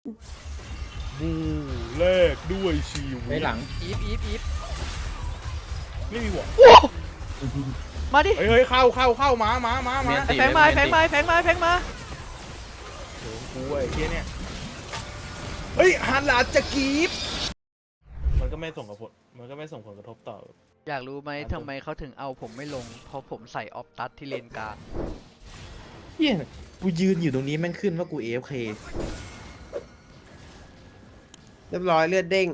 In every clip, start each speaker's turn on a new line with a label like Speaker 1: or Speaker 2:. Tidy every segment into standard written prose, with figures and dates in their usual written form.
Speaker 1: บูแลกด้วยชีวิ
Speaker 2: ไป
Speaker 1: ต
Speaker 2: หลัง
Speaker 3: อีฟ
Speaker 1: ไม่มีหัว
Speaker 3: มาดิ
Speaker 1: เฮ้ยเข้ามา
Speaker 4: เมียนติ
Speaker 3: แฟงมาแฟงมา
Speaker 1: โอ้กูไอ้เหี้ยเนี่ยเฮ้ยฮันหลาจะกรีบมันก็ไม่ส่งผลกระทบต่อ
Speaker 3: อยากรู้ไหมทำไมเขาถึงเอาผมไม่ลงเพราะผมใส่ออฟตัสที่เลนกลาง
Speaker 4: เฮียกูยืนอยู่ตรงนี้แม่งขึ้นว่ากู AFK
Speaker 5: เรียบร้อยเลือดเด้ง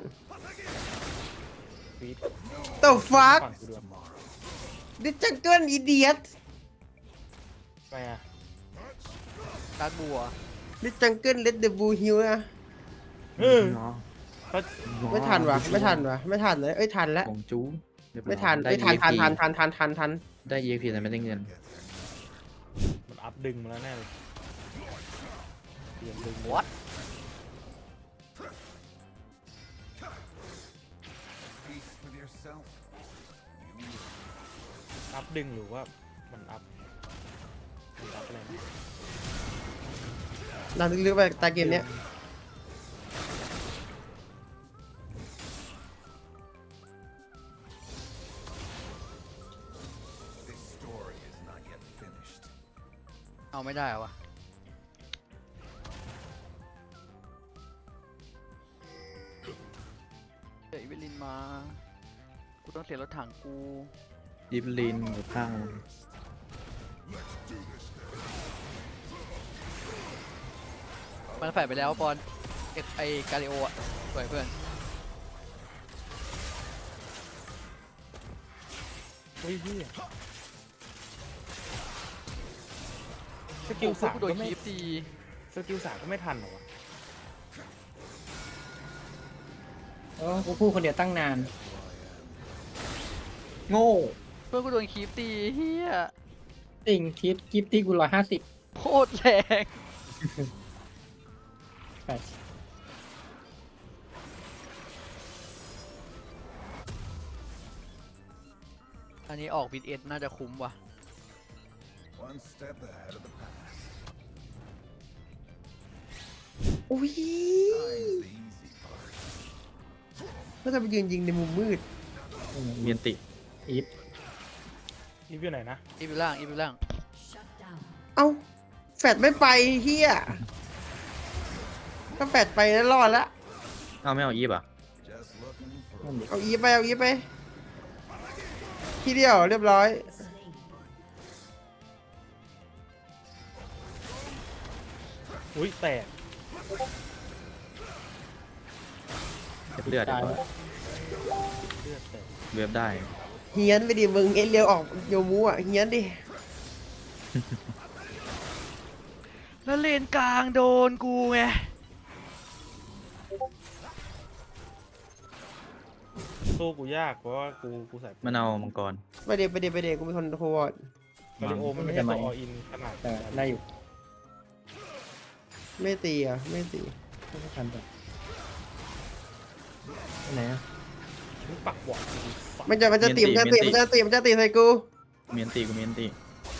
Speaker 1: ฟีด
Speaker 5: The fuck
Speaker 1: ฝั่งกูด้วย
Speaker 5: This jungle idiot
Speaker 1: ไปอ่ะ
Speaker 3: การบัว
Speaker 5: This jungle let the bull heal นะ
Speaker 1: เออ เขา
Speaker 5: ไม่ทันวะไม่ทันเลยเอ้ยทันแล้ว
Speaker 4: ของจูเรียบร้อย
Speaker 5: ไม่ทัน
Speaker 4: ได้
Speaker 5: เอ้ยทัน
Speaker 4: EXP
Speaker 5: ทัน
Speaker 4: ได้ EXP แต่ไม่ได้เงิน
Speaker 1: มันอัพดึงมาแล้วแน่เลยเปลี่ยนดึงเลย
Speaker 3: What
Speaker 1: อัพดึงหรือว่ามันอัพอะไรนะ
Speaker 5: ดันลึกๆไปตาเกมเนี้ย
Speaker 3: เอาไม่ได้เหรอวะเดี๋ยวอีเวลินมากูต้องเสียรถถังกู
Speaker 4: ยิบลินอยู่ข้าง
Speaker 3: มันแฝดไปแล้วปอนไอกาลิโออะสวยเพื่อน
Speaker 1: เฮ้ยพี่สกิลสาม
Speaker 3: กูโดน
Speaker 1: ก็ไม่
Speaker 3: คีฟตี
Speaker 1: สกิลสามก็ไม่ทันเหรอวะ
Speaker 2: กูพูดคนเดียวตั้งนาน
Speaker 4: โง่
Speaker 3: เพื่อนกูโดนคีฟตีเฮีย
Speaker 2: จริงคลิปที่กู150
Speaker 3: โคตรแรง
Speaker 2: ไป
Speaker 3: อันนี้ออกบิดเอ็ดน่าจะคุ้มว่ะ
Speaker 6: One step ahead of the pack.
Speaker 5: อุ้ย
Speaker 6: Time's the easy part.
Speaker 5: แล้วจะไปยืนยิงในมุมมืด
Speaker 4: เมียนติ
Speaker 2: อีฟ
Speaker 1: นี่อยู่ไหนนะ
Speaker 3: อีฟอยู่ล่าง
Speaker 5: เอ้าแฟดไม่ไปเฮียถ้าแฟดไปแล้วรอดละ
Speaker 4: เอาไม่เอาอีฟอ่ะ
Speaker 6: Just looking for
Speaker 2: นั่นดิ
Speaker 5: เอาอีฟไปทีเดียวเรียบร้อย
Speaker 1: อุ้ยแตก
Speaker 4: เลือด
Speaker 2: ตาย
Speaker 4: ดีก
Speaker 2: แล้
Speaker 4: ว่าว
Speaker 1: เลือดแตก
Speaker 4: เว็บได้
Speaker 5: เฮียนไปดิมึงเอ็นเรียวออกโยมูอ่ะเฮียนดิ
Speaker 3: แล้วเลนกลางโดนกูไง
Speaker 1: สู้กูยากเพราะว่ากูใส่
Speaker 4: มันเอามังกร
Speaker 5: ไปเดกูเป็นคนโคตร
Speaker 1: มาริโอมันไม่ใช่ตัวออินขนาด
Speaker 2: แต่ได้อยู่
Speaker 5: ไม่ตีอ่ะไม่ตี
Speaker 2: ไม่ทันแต่ไหนอะ
Speaker 1: มึงปักหวาน
Speaker 5: มันจะตีใส่กู
Speaker 4: เมียนติกูเมียนติ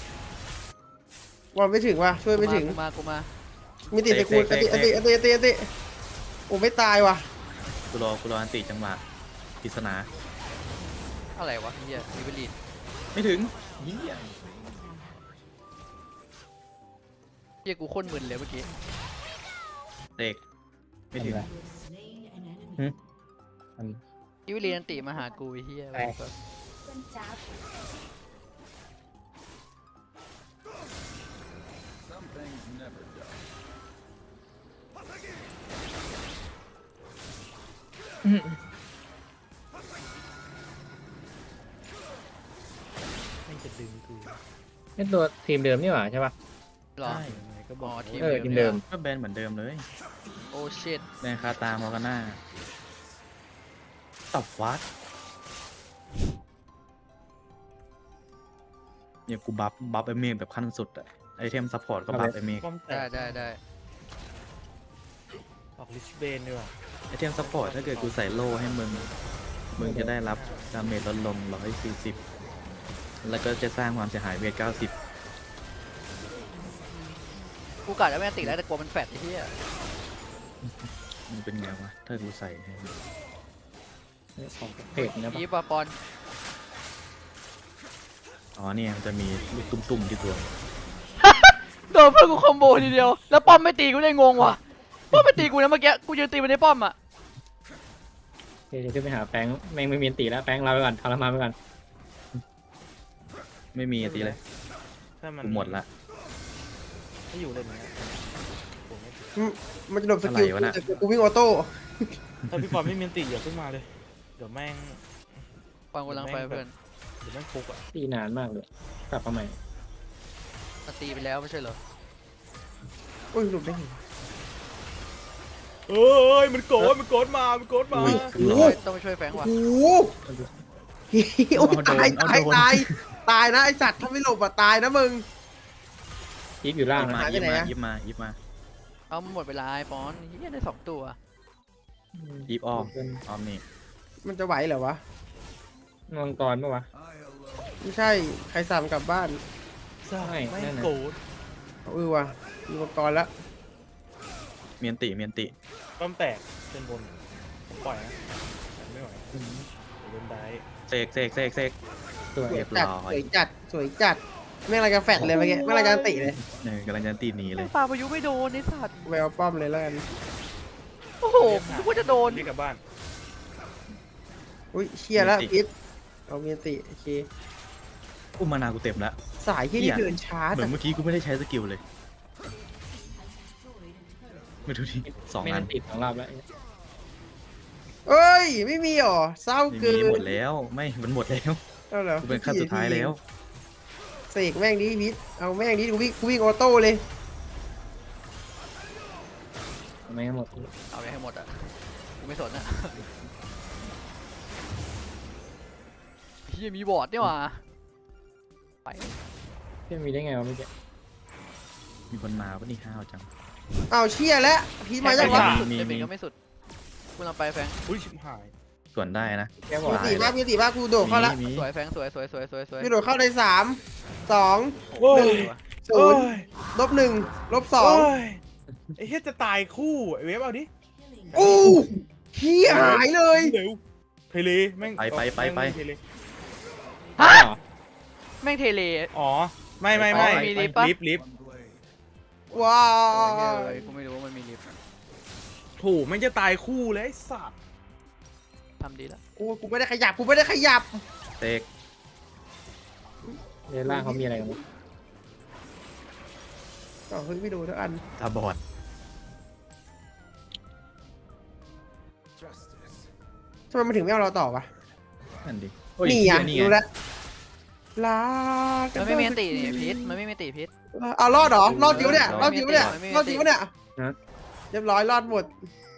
Speaker 5: บอลไม่ถึงว่ะช่วยไม่ถึง
Speaker 3: กูมา
Speaker 5: มีตีใส่กูอันติโอ้ไม่ตายว่ะ
Speaker 4: กูรออันติจังหวะปริศนา
Speaker 3: อะไรวะเฮียอีเวลิน
Speaker 4: ไม่ถึง
Speaker 3: เฮียกูโคตรมึนเลยเมื่อกี้
Speaker 4: เด็กไม่ถึง
Speaker 2: ทำอะอัน
Speaker 3: อีเวลินอันติมาหากูไอ้เฮีย
Speaker 2: ไป
Speaker 6: some things never done.
Speaker 1: ไม่จะดึงกู
Speaker 2: นี่ตัวทีมเดิมนี่หว่าใช่ป่ะ
Speaker 3: หรอ
Speaker 4: ใช่
Speaker 1: ยังไงก็บอก
Speaker 3: อ๋อทีม
Speaker 2: ทีมเดิม
Speaker 4: ก็แบนเหมือนเดิมเลย
Speaker 3: โอ้ชิต
Speaker 4: แบนคาตามอร์กาน่าตับฟัดเนี่ยกูบัฟไอเมฆแบบขั้นสุดอะไอเทมซัพพอร์ตก็บัฟไอเมฆ
Speaker 1: ป้อมแตก
Speaker 3: ได้
Speaker 1: ออกลิชเบนดีกว่า
Speaker 4: ไอเทมซัพพอร์ตถ้าเกิดกูใส่โล่ให้มึงจะได้รับดาเมจลดลง140แล้วก็จะสร้างความเสียหายเวท90
Speaker 3: กูกะจะไม่อันติแล้วแต่กลัวมันแฟดไอ้เฮีย
Speaker 4: มันเป็นไงวะถ้ากูใส่ให้
Speaker 2: ของเพจนะปะ
Speaker 3: ยีบอะปอน
Speaker 4: อ๋อเนี่ยมันจะมีลูกตุ้มๆที่ตัว
Speaker 3: โดนเพื่อนกูคอมโบทีเดียวแล้วป้อมไม่ตีกูเลยงงว่ะป้อมไม่ตีกูนะเมื่อกี้กูยืนตีมันในป้อมอ่ะ
Speaker 2: เดี๋ยวขึ้นไปหาแป้งแม่งไม่มีอันตีแล้วแป้งเราไปก่อนทรมานไปก่อน
Speaker 4: ไม่มีตีเลย
Speaker 1: ถ้ามัน
Speaker 4: กูหมดละ
Speaker 1: ถ้าอยู่เลยเนี่ยผมไม่
Speaker 5: มันจะโดนสกิล
Speaker 4: อะไรวะน่ะ
Speaker 5: แต่กูวิ่งออโต้
Speaker 1: ถ้าพี่ปอนไม่มีอันติอย่าเพิ่งมาเลย เดี๋ยวแม่ง
Speaker 3: ปอนกูกำลังไปเพื่อน
Speaker 1: เดี๋ยวแม่งฟุกอ่ะ
Speaker 2: ตีนานมากเลยกลับมาใหม่
Speaker 3: มันตีไปแล้วไม่ใช่เหรอ
Speaker 5: โอ้ยหลุดได้ไง
Speaker 1: เอ้ยมันโกรธมันโกรธมามันโกรธมา
Speaker 4: อุ้ย
Speaker 5: โอ้
Speaker 3: ต้องไปช่วยแฟงว่ะ
Speaker 5: โหโอ้ยตายตายนะไอสัตว์ถ้าไม่หลบอ่ะตายนะมึง
Speaker 2: ยิบอยู่ล่าง
Speaker 4: ยิบ
Speaker 2: นะ
Speaker 4: มา
Speaker 5: หายไป
Speaker 4: ยิบ
Speaker 5: ไหน
Speaker 4: มา
Speaker 5: อะ
Speaker 4: ยิบมายิบมา
Speaker 3: เอาหมดเวลาไอ้ปอนเฮียได้2 ตัว
Speaker 4: ยิบอ้อมอ้อมนี่
Speaker 5: มันจะไหวเหรอวะ
Speaker 2: มังกรปะวะ
Speaker 6: I alone.
Speaker 5: ไม่ใช่ใครสั่งกลับบ้าน
Speaker 1: ใช่
Speaker 2: ไม่
Speaker 1: แม่
Speaker 2: นั่
Speaker 1: ง
Speaker 2: นน่ะ
Speaker 1: โกรธ
Speaker 5: ว่ะมีอุปกรณ์แล้ว
Speaker 4: เมียนติเมียนติ
Speaker 1: ป้อมแตกเป็นบนผมปล่อยนะไม่ไหวเดี๋ยวโดนได้
Speaker 4: เสก
Speaker 2: สวย
Speaker 5: สวย
Speaker 4: เรียบ
Speaker 5: จัด
Speaker 4: ร้อย
Speaker 5: สวยจัดสวยจัดแม่งอะไรกันแฟดเลยเมื่อกี้แม่งอะไรกันติเลย
Speaker 4: กำลังจะตีหนีเลย
Speaker 3: ปลาพายุไม่โดนไอ้สัตว์
Speaker 5: ไปเอาป้อมเลยแล้วกัน
Speaker 3: โอ้โหนึกว่าจะโดน
Speaker 1: เรียกกลับบ้าน
Speaker 5: อุ้ยเชียร์แล้วพิษเอาเมียติโอเค
Speaker 4: อุ้มมานากูเต็มแล้ว
Speaker 5: สายที่นี่เดินช้า
Speaker 4: เหมื
Speaker 5: แต่
Speaker 4: อนเมื่อกี้กูไม่ได้ใช้สกิลเลยไม่ดูดิ2
Speaker 2: ไม่
Speaker 4: อั
Speaker 2: ได้
Speaker 4: น
Speaker 2: ติดของเราแล้ว
Speaker 5: เอ้ยไม่มีหรอเศร้า
Speaker 4: ไม่
Speaker 5: เกิ
Speaker 4: มี
Speaker 5: น
Speaker 4: หมดแล้วไม่มันหมดแล้ว
Speaker 5: เอาเหรอ
Speaker 4: กูเป็นขั้นสุดท้ายแล้ว
Speaker 5: เสกแม่งดิพิษเอาแม่งดิกูวิ่งออโต้เลย
Speaker 2: ไม่หมด
Speaker 3: เอาไปให้หมดอ่ะกูไม่สนอ่ะเฮียมีบอร์ดนี่หว่าไป
Speaker 2: เพื่อนมีได้ไงวะเมื่อกี้
Speaker 4: มีคนมาปะนี่ห้าวจัง
Speaker 5: เอาเชียร์แล้วพิษมาจาก
Speaker 4: ไม่
Speaker 5: วะ
Speaker 4: มี
Speaker 3: ไอ้เบนก็ไม่สุดกูกำลังไปแฟง
Speaker 1: อุ้ยชิบหาย
Speaker 4: ส่วนได้นะ
Speaker 2: แกบอก
Speaker 5: มีตีมากมีตีมากกูโดดเข้าละ
Speaker 4: มี
Speaker 3: สวยแฟงสวย
Speaker 5: กูโดดเข้าใน3 2
Speaker 1: โอ้ย
Speaker 5: 0 -1 -2
Speaker 1: โอ้ยไอ้เหี้ยจะตายคู่ไอ้เวฟเอาดิ
Speaker 5: อู้เฮียหายเลย
Speaker 1: เร็วเทเลแม่ง
Speaker 4: ไป
Speaker 1: แม่งเทเล
Speaker 3: ฮะ
Speaker 2: เหรอ
Speaker 3: แม่งเทเล
Speaker 1: อ๋อไม่
Speaker 3: มีลิฟต์ปะ
Speaker 1: ลิฟต์
Speaker 6: One blade.
Speaker 5: ว้า
Speaker 3: เฮ้ยกูไม่รู้ว่ามันมีลิฟต์
Speaker 1: ถูกแม่งจะตายคู่เลยไอ้สัตว์
Speaker 3: ทำดีแล้ว
Speaker 5: กูไม่ได้ขยับ
Speaker 4: เสก
Speaker 2: ในล่างเขามีอะไรกันบ้าง
Speaker 5: ต่อเฮ้ยไม่ดูทุกอัน
Speaker 4: ตาบอด
Speaker 6: Justice.
Speaker 5: ทำไมมันถึงไม่เอาเราต่อวะ
Speaker 4: นั่นดิ
Speaker 5: นี่อ่ะ
Speaker 4: นี่
Speaker 5: ดู
Speaker 4: ไง
Speaker 5: แลวลา
Speaker 3: มันไม่มีอันตินี่พิษมันไม่มีอันติพิษ
Speaker 5: เอารอดเหรอรอดจิ๋วเนี่ยรอดจิ๋วเนี่ย
Speaker 3: ไม่มี
Speaker 5: รอดจิ๋วเนี่ยเรียบร้อยรอดหมด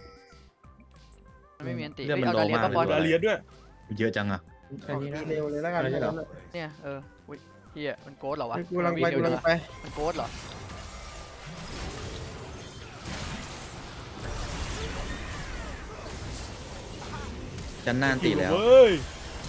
Speaker 3: มันไม่มีอันติ
Speaker 4: เรื่องมัน
Speaker 3: เอาดาเลีย
Speaker 4: โลมาก
Speaker 3: ปะบอล
Speaker 4: เลย
Speaker 1: ดาเลียสด้วย
Speaker 4: เยอะจังอะ
Speaker 2: แค่นี้นะ
Speaker 5: เร็วเลยแล้วกัน
Speaker 2: อะไรเหรอ
Speaker 3: เนี่ยอุ้ยเฮียมันโกดเหรอวะ
Speaker 5: กูกำลังไปกูกำลังไป
Speaker 3: มันโกดเหรอ
Speaker 4: จันน่านตีแล้ว
Speaker 1: เว้ย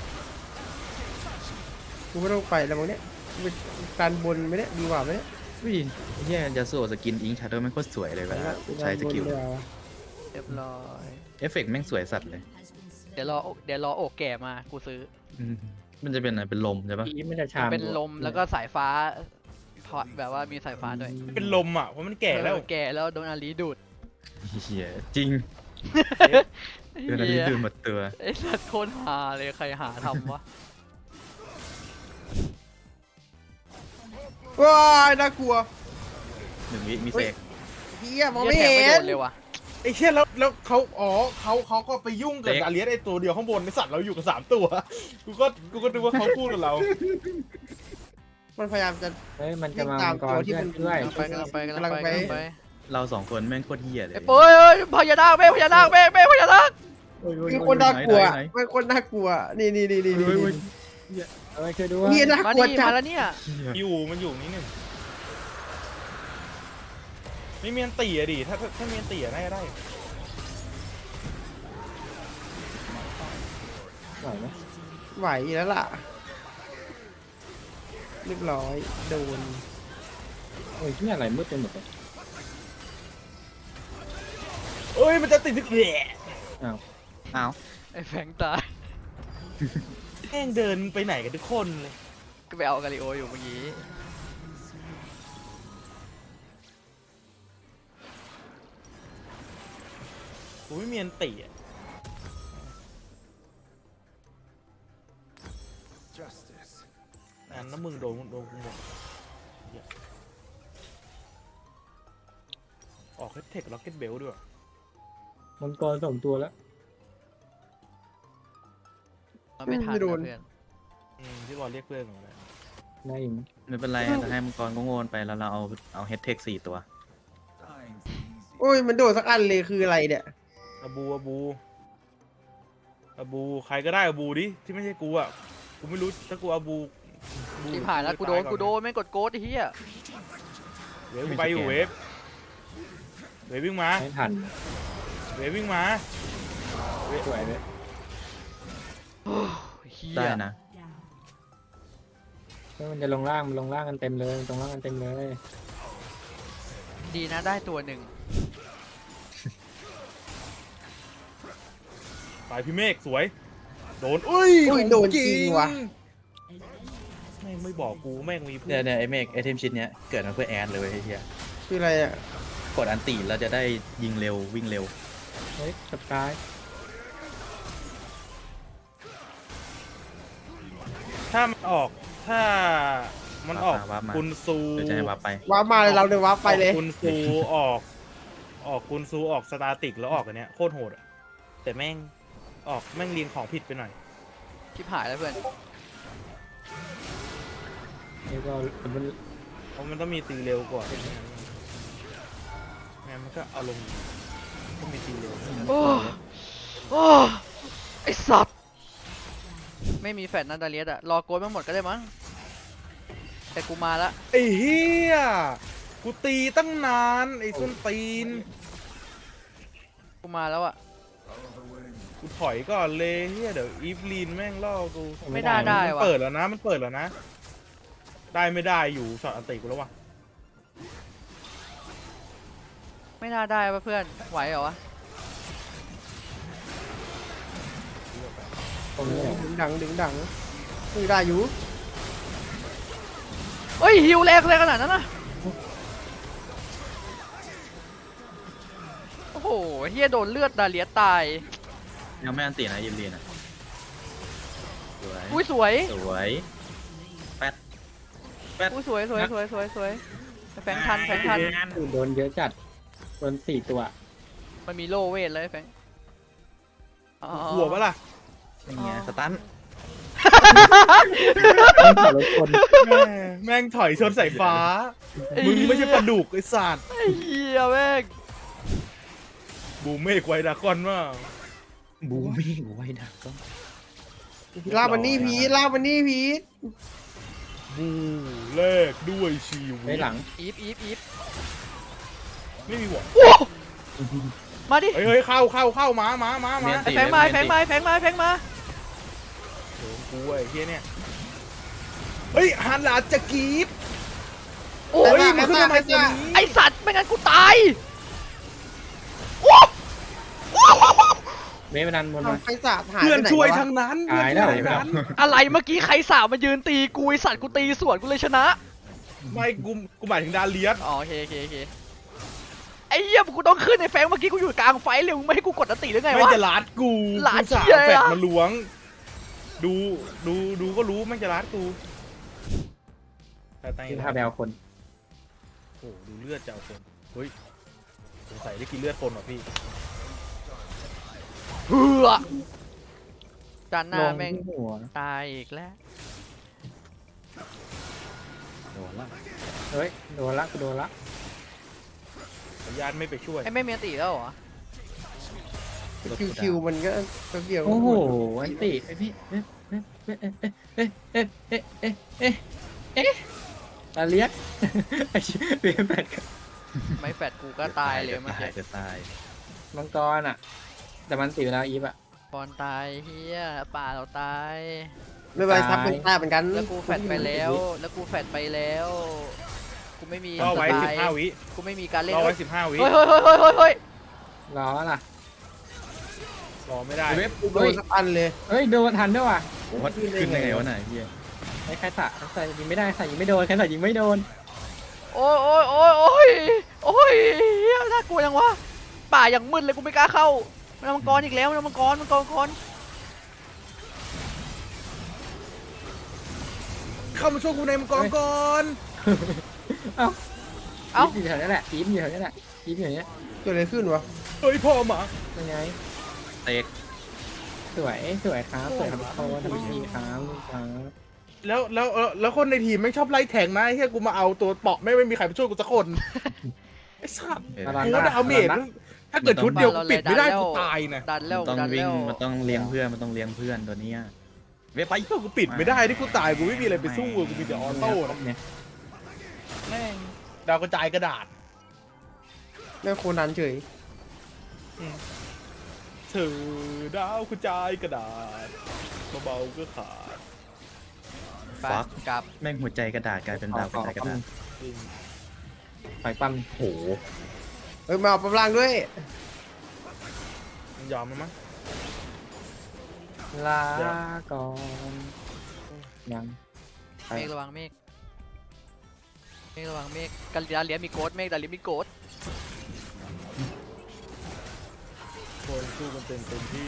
Speaker 5: กูไม่ต้องไปแล้วมั้งเนี่ยเป็นการบนไหมเนี่ยดีกว่าไหมเนี่ย
Speaker 4: วิ่งเฮียยาสุโอสกินอิงชาร์เดอร์แม่งโคตรสวยเลยเวลาใช้สกิล
Speaker 3: เรียบร้อย
Speaker 4: เอฟเฟกต์แม่งสวยสัตว์เลย
Speaker 3: เดี๋ยวรอโอกแก่มากูซื้อ
Speaker 4: อืมมันจะเป็นอะไรเป็นลมใช่ปะ
Speaker 2: อีไม่ได้ชาม
Speaker 3: เป็นลมแล้วก็สายฟ้าถอดแบบว่ามีสายฟ้าด้วย
Speaker 1: เป็นลมอ่ะเพราะมันแก่แล้ว
Speaker 3: เออแก่แล้วโดนอาลีดูด
Speaker 4: เฮียจริงเดือนนี้
Speaker 3: เหี้ย
Speaker 4: ดื่มหมดตัว
Speaker 3: ไอ้สัตว์โคตรฮาเลยใครหาทำวะ
Speaker 5: ว้ายน่ากลัว
Speaker 4: 1 วิมีเสก
Speaker 5: เฮียมองไม่
Speaker 3: หี้ย
Speaker 5: เห็
Speaker 3: แทง
Speaker 5: น
Speaker 3: โดเลยว่ะ
Speaker 1: ไอ้เชี่ยแล้วเขาก็ไปยุ่งกับดาเลียสไอ้ตัวเดียวข้างบนไอ้สัตว์เราอยู่กับ3 ตัวกูก็นึกว่าเขาพูดกับเรา
Speaker 5: มันพยายามจะ
Speaker 2: เฮ้ยมันจะมา
Speaker 5: ตาม
Speaker 2: มังก
Speaker 5: ตัว
Speaker 2: ร
Speaker 5: ที่
Speaker 2: เพื่อน
Speaker 5: มัน
Speaker 2: ด้วย
Speaker 3: กำลังไป
Speaker 4: เรา2 คนแม่งโคตรเฮียเลย
Speaker 3: ไอ้ปุ้ยพญานาคแม่พญานาคแม่พญานาค
Speaker 5: มีคนน่ากลัวมันคนน่ากลัวนี่
Speaker 2: เอาไว้ช่วยด้วย
Speaker 5: เฮียน่า
Speaker 3: มา
Speaker 5: กลัว
Speaker 3: ดิ
Speaker 5: จั
Speaker 3: มา
Speaker 5: ด
Speaker 3: แล้วเนี่ย
Speaker 1: มันอยู่นี่หนึ่งไม่มีอันตีอะดิถ้ามีอันตีอะน่าจะได้
Speaker 2: ไหวไหม
Speaker 5: ไหวแล้วล่ะเรียบร้อยโดน
Speaker 2: โอ้ยที่อะไรมืดไปหมดเลย
Speaker 1: โเอ้ยมันจะติดแหละ
Speaker 4: อ้าว
Speaker 3: ไอ้แฟงตาย
Speaker 1: แม่งเดินไปไหนกันทุกคนเลย
Speaker 3: ก็ไปเอากาลิโออยู่เมื่อกี้
Speaker 1: กูไม่มีอันติอ่ะ
Speaker 6: Justice.
Speaker 1: อันนั้นมึงโดนกูหมดเหี้ยออกให้เทคล็อกเก็ตเบลด้วย
Speaker 2: มังกร2 ตัวแล้ว
Speaker 3: มันไม่ทันนะเพื่อน
Speaker 1: ที่บอลเรียกเพื่อนของมัน
Speaker 2: ได้อีกไหม
Speaker 4: ไม่เป็นไรจะให้มังกรก็โง่ไปแล้วเราเอาเฮดเทค4 ตัว
Speaker 6: Dying's easy.
Speaker 5: โอ้ยมันโดดสักอันเลยคืออะไรเนี่ย
Speaker 1: อาบูใครก็ได้อาบูดิที่ไม่ใช่กูอ่ะกูไม่รู้ถ้ากูอาบู
Speaker 3: ที่ผ่านแล้วกูโดนไม่งกดโกดไอ้เหี้ย
Speaker 1: เวฟกูไปอยู่เวฟวิ่งมา
Speaker 2: ไม่ทัน
Speaker 1: เวฟวิ่งมา
Speaker 2: สวยเลย
Speaker 3: โอ้ยเหี้ย
Speaker 4: ได้นะ
Speaker 2: มันจะลงล่างมันลงล่างกันเต็มเลยตรงล่างกันเต็มเลย
Speaker 3: ดีนะได้ตัวหนึ่ง
Speaker 1: ไปพี่เมฆสวยโดนอุ้ย
Speaker 5: อุ้ยโดนจริงว่ะ
Speaker 1: แม่งไม่บอกกูแม่งมีเพื่
Speaker 4: เนี่
Speaker 1: อย น
Speaker 4: เนี่ยไอเมกไอเทมชิ้นเนี้ยเกิดมาเพื่อแอดเลยเว้ยไอ้เฮีย
Speaker 5: คืออะไรอ่ะ
Speaker 4: กดอันตีเราจะได้ยิงเร็ววิ่งเร็ว
Speaker 2: เฮ้ยสกาย
Speaker 1: ถ้ามันออกคุณซู
Speaker 4: เดี๋ยวจะให้วับไป
Speaker 5: ว้าร์ปมาเลยเราเลยว้าร์ปไปเลย
Speaker 1: คุณซูออกคุณซูออกสตาติกแล้วออกอันเนี้ยโคตรโหดอะแต่แม่งออกแม่งเรียงของผิดไปหน่อย
Speaker 3: ชิบหายแล้วเพื่อน
Speaker 2: นี่ก็มัน
Speaker 1: เพราะมันต้องมีตีเร็วกว่างั้นมันก็เอาลงต้องมีตีเร็ว
Speaker 3: โอ้โอ้ไอสัตว์ไม่มีแฟนนันดาเลียสอะรอโกดมาหมดก็ได้มั้งแต่กูมาละ
Speaker 1: ไอ้เฮียกูตีตั้งนานไอ้ส้นตีน
Speaker 3: กูมาแล้วอะ
Speaker 6: Follow the wind.
Speaker 1: กูถอยก่อนเลยเฮียเดี๋ยวอีฟลีนแม่งล่อกู
Speaker 3: ไม่ได้ได้
Speaker 1: มัน
Speaker 3: วะ
Speaker 1: เปิดแล้วนะมันเปิดแล้วนะ ได้ไม่ได้อยู่ช็อตอันติกูแล้ววะ
Speaker 3: ไม่น่าได้ปะเพื่อนไหวเหรอวะ
Speaker 2: ตรงนี้แหละ
Speaker 5: ดึงดังคือได้อยู่
Speaker 3: เฮ้ยฮิวแรงขนาดนั้นนะโอ้โหเฮียโดนเลือดดาเลียสตาย
Speaker 4: ยังไม่อันตีนะยิมเรียนอ่ะสวย
Speaker 3: อุ้ยสวย
Speaker 4: สวยแป๊ด
Speaker 3: อุ้ยสวยแฟงทัน
Speaker 2: โดนเยอะจัดโดน4 ตัว
Speaker 3: มันมีโลเวทเลยแฟงอ๋อ
Speaker 1: หัวปะล่ะ
Speaker 4: อย่างเงี้ยสตัน
Speaker 2: ต้องขอรถคน
Speaker 1: แม่งถอยชนสายฟ้า มึงไม่ใช่ปลาดุกไอ้สัตว์
Speaker 3: ไอ้เหี้ยแม่ง
Speaker 1: บูมเมฆไวดากอนว่า
Speaker 4: บูมี่ไว้ดักก็
Speaker 5: ลากมันนี่พีทลากมันนี่พีท
Speaker 1: บูแลกด้วยชีวิ
Speaker 2: ไว้
Speaker 1: ต
Speaker 2: หลัง
Speaker 3: อีฟ
Speaker 1: ไม่มีหัว
Speaker 3: โอ้มาดิ
Speaker 1: เฮ้ยเข้ามา
Speaker 4: เมียน
Speaker 3: ไอ้
Speaker 4: ตี
Speaker 3: แฟงมาแฟงมา
Speaker 1: โดนกูไอ้เฮียเนี่ยเฮ้ยฮันหลาจะกรีด
Speaker 3: โอ้
Speaker 1: เฮ้
Speaker 3: ย
Speaker 1: ยมันขึ้นทำไมตัวนี้
Speaker 3: ไอสัตว์ไม่งั้นกูตายโอ้
Speaker 2: เมฆไปดันบนมา
Speaker 5: ทำไฟสาดหาย
Speaker 1: เพื่อน
Speaker 5: ไปไหน
Speaker 1: ช่วย
Speaker 5: แล้
Speaker 1: ทั้งนั้น
Speaker 2: ตายแล้ว
Speaker 1: เพื่อนช่วยทั้งนั้น
Speaker 3: อะไรเมื่อกี้ใครสาวมายืนตีกูไอสัตว์กูตีสวนกูเลยชนะ
Speaker 1: ไม่กูหมายถึงดาเลียส
Speaker 3: อ๋อโอเคไอ้เหี้ยกูต้องขึ้นในแฟงเมื่อกี้กูอยู่กลางไฟเลยมึงไม่ให้กูกดอันติหรือไง
Speaker 1: ไม่
Speaker 3: วะ
Speaker 1: จะลัดกู
Speaker 3: ลัด
Speaker 1: กูสา
Speaker 3: เหี้ย
Speaker 1: แฟด
Speaker 3: อะ
Speaker 1: มาล้วง ดูก็รู้ไม่จะลัดกูแต่
Speaker 2: ที่ท่าแบลคน
Speaker 1: โอ้โหดูเลือดจะเอาคนเฮ้ยสงสัยได้กินเลือดคนว่ะพี่
Speaker 3: เฮือจานห
Speaker 2: ล
Speaker 3: น้าง แม่ง
Speaker 2: ที่หัว
Speaker 3: ตายอีกแล้ว
Speaker 4: โดนละ
Speaker 2: เฮ้ยโดนละกูโดนละ
Speaker 1: ขออนุญาตไม่ไปช่วย
Speaker 3: ไอ้ไม่มีอันติแล้วเหรอ
Speaker 5: คิวมันก็เกี่ยว
Speaker 2: โอ้โหอันติไอพี่ตาเลียกไอ้เบี้ยแปด
Speaker 3: ไม่แฟดกูก็ตายเลยเมื่อกี้
Speaker 4: จะตาย
Speaker 2: มังกรอ่ะ แต่มันติดเวลาอีฟอ่ะ
Speaker 3: บอลตายเฮียป่าเราตาย
Speaker 5: ไม่เป็นไรทับเป็นตาเหมือนกัน
Speaker 3: แล้วกูแฟดไปแล้วกูไม่มี
Speaker 1: รอไว้
Speaker 3: สไตล์
Speaker 1: 15 วิ
Speaker 3: กูไม่มีการเล่น
Speaker 1: รอ
Speaker 3: เฮ้
Speaker 1: ไว้
Speaker 3: ย
Speaker 1: 15 วิ
Speaker 3: เฮ้ย
Speaker 2: รอล่ะ
Speaker 1: รอไม่ได้
Speaker 4: เว็บ
Speaker 5: กูโดนสักอันเลย
Speaker 2: เฮ้ยโดนทันด้วยว่ะ
Speaker 4: วัดขึ้นได้ไงวะไหนเฮีย
Speaker 2: ไอ้ใครใส่ยิงไม่ได้ใส่ยิงไม่โดนใครใส่ยิงไม่โดน
Speaker 3: โอ้ยโอ้ยโอ้ยโอ้ยโอ้ยเหี้ยน่ากลัวยังวะป่าอย่างมืดเลยกูไม่กล้าเข้ามันเอามังกรอีกแล้วมันเอามังกรมังกร
Speaker 1: เข้ามาช่วยกูในมังกรก่อน
Speaker 2: เอ้า
Speaker 3: เอ้า
Speaker 2: อีฟอยู่แถวนี้แหละอีฟอยู่แถวนี้แหละอีฟอยู่อย่างเนี้ย
Speaker 5: เกิดอะไรขึ้นวะ
Speaker 1: เฮ้ยพ่อหมา
Speaker 2: ยังไง
Speaker 4: เตก
Speaker 2: สวยสวยครับสวยครับโคนทำดีครับครับ
Speaker 1: แล้วคนในทีมไม่งชอบไล่แทงนะไอ้เฮียกูมาเอาตัวเปาะไม่มีใครมาช่วยกูสักคนไอ้สัตว์
Speaker 2: ระวัง
Speaker 1: กู
Speaker 2: นะ
Speaker 1: ว่าดาเมจถ้าเกิดชุดเดียวกูปิดไม่ได้กูตายนะ
Speaker 3: ดันแล้ว
Speaker 4: ต้อง
Speaker 3: ดัน
Speaker 4: วิ่
Speaker 3: แล้
Speaker 4: ง
Speaker 3: ว
Speaker 4: มันต้องเลี้ยงเพื่อนมันต้องเลี้ยงเพื่อนตัวเนี้ยเว็บไป
Speaker 1: ถ้ากูปิดไม่ได้ที่กูตายกูไม่มีอะไรไปสู้กูมีแต่ออโต้นะ
Speaker 2: เนี่ย
Speaker 1: แม่งดาวกระจายกระดาษ
Speaker 5: แม่งโคนันเฉย
Speaker 1: เธอดาวกระจายกระดาษเบาๆก็ขาด
Speaker 3: ไป
Speaker 4: ฟัก
Speaker 3: กลับ
Speaker 4: แม่งหัวใจกระดาษกลายเป็นดาวกระจายกระดาษ
Speaker 1: จริง
Speaker 2: ไฟปั้ม
Speaker 4: โห
Speaker 5: เอ้ยมาเอาปลางด้วย
Speaker 1: มันยอมไหมมั้ง
Speaker 2: ลาก่อนยังไป
Speaker 3: เมฆระวังเมฆระวังเมฆกันดาเลียมีโกดเมฆดาเลียมีโกด
Speaker 1: คนสู้กันเต็มที่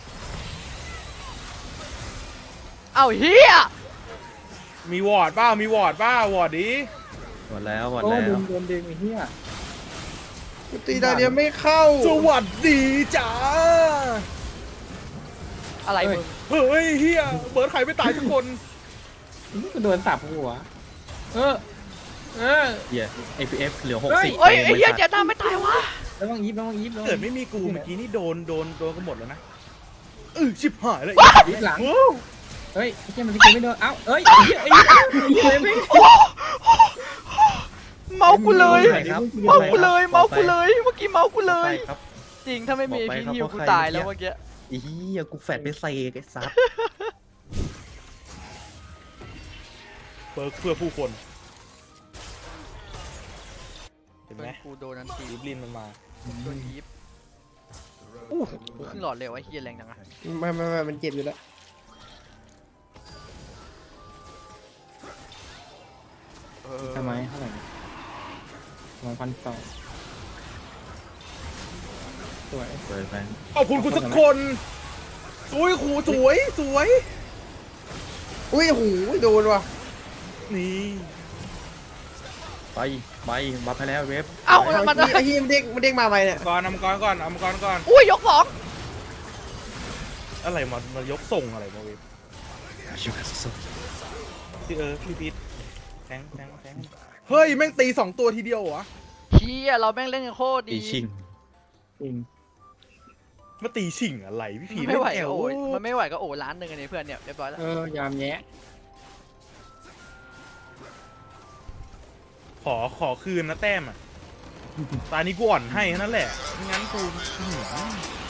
Speaker 3: เอ้าเฮีย
Speaker 1: มีวอร์ดป้าวอร์ดดิ
Speaker 4: หมดแล้วหมด
Speaker 2: โอ้
Speaker 4: แล้ว
Speaker 2: ดึงโดนดึงไอ้เหี้ย
Speaker 5: กูตีดาเดียไม่เข้า
Speaker 1: สวัสดีจ้า
Speaker 3: อะไรมึง
Speaker 1: เฮ้ยเฮียเบิร์ดใครไม่ตายทุกคน
Speaker 2: กูโดนสับหัวเออ
Speaker 4: เฮีย APF เหลือ
Speaker 2: เฮ้ย
Speaker 4: 60
Speaker 3: เฮ้ยไอ้เฮีย
Speaker 4: ฟรม
Speaker 3: เจ๊หน้าไม่ตายวะ
Speaker 2: ระวังอีฟระวังอีฟระวัง
Speaker 1: เกิดไม่มีกูเมื่อกี้นี่โดนกันหมดแล้วนะชิบหายเลย
Speaker 2: อีฟหลัง
Speaker 1: โอ้
Speaker 2: เฮ้ยไอ้เหี้ยมันจะไม่โดนเอ้าเอ้ยไอ้เหี้ยไอ้เหี้ยไอ้เหี้ยไม่
Speaker 3: เมากูเลย
Speaker 4: ไปครับ
Speaker 3: เมากูเลยเมากูเลยเมื่อกี้เมากูเล
Speaker 4: ไป
Speaker 3: ย
Speaker 4: ครับ
Speaker 3: จริงถ้าไม่มี
Speaker 4: บอกไป
Speaker 3: พี่
Speaker 4: ครับ
Speaker 3: ฮิว
Speaker 4: ว่า
Speaker 3: กู
Speaker 4: ใคร
Speaker 3: ตายแล้วเมื่อกี้
Speaker 4: ไอ้เฮียกูแฟดไปใส่ไอ้ซับ
Speaker 1: เบิร์ดเพื่อผู้คนเห็นไหม
Speaker 3: กูโดนนันที
Speaker 1: ลิบลินมันมา
Speaker 3: โดนยีบอู้ขึ้นหลอดเร็วไอ้เฮียแรงจังอะ
Speaker 5: ไม่มันเจ็บอยู่แล้ว
Speaker 2: ทำไมเท่าไหร่1,200สวย
Speaker 4: เปิดไป
Speaker 1: ขอบคุณคุณสักคนสวยครูสวย
Speaker 5: อุ้ยโหโดนว่ะ
Speaker 1: นี่
Speaker 4: ไปบัฟให้แล้วเว็บ
Speaker 3: เอ้า
Speaker 5: ไอ้
Speaker 3: มัน
Speaker 5: ไอ้เฮียมันเด้งมาไหมเนี่ย
Speaker 1: ก่อนเอามังกรก่อน
Speaker 3: อุ้ยยกสอง
Speaker 1: อะไรมายกส่งอะไรมาเว็บ
Speaker 4: ชิวสุด
Speaker 1: พี่พี่พีทแทงเฮ้ยแม่งตี2ตัวทีเดียวเหรอ
Speaker 3: เฮียเราแม่งเล่นกันโคตร
Speaker 4: ตี
Speaker 3: ดี
Speaker 4: ชิง
Speaker 2: จริง
Speaker 1: มาตีชิงอะไรพี่พี
Speaker 3: ไม่ไหว
Speaker 1: เล่นแอ
Speaker 3: ก็
Speaker 1: ล
Speaker 3: โอยมันไม่ไหวก็โอยล้านหนึ่งอันนี้เพื่อนเนี่ยเรียบร้อยแล้ว
Speaker 2: ยามแยะ
Speaker 1: ขอคืนนะแต้มอ่ะตานี้กูอ่อนให้แค่นั้นแหละไม่งั้นกู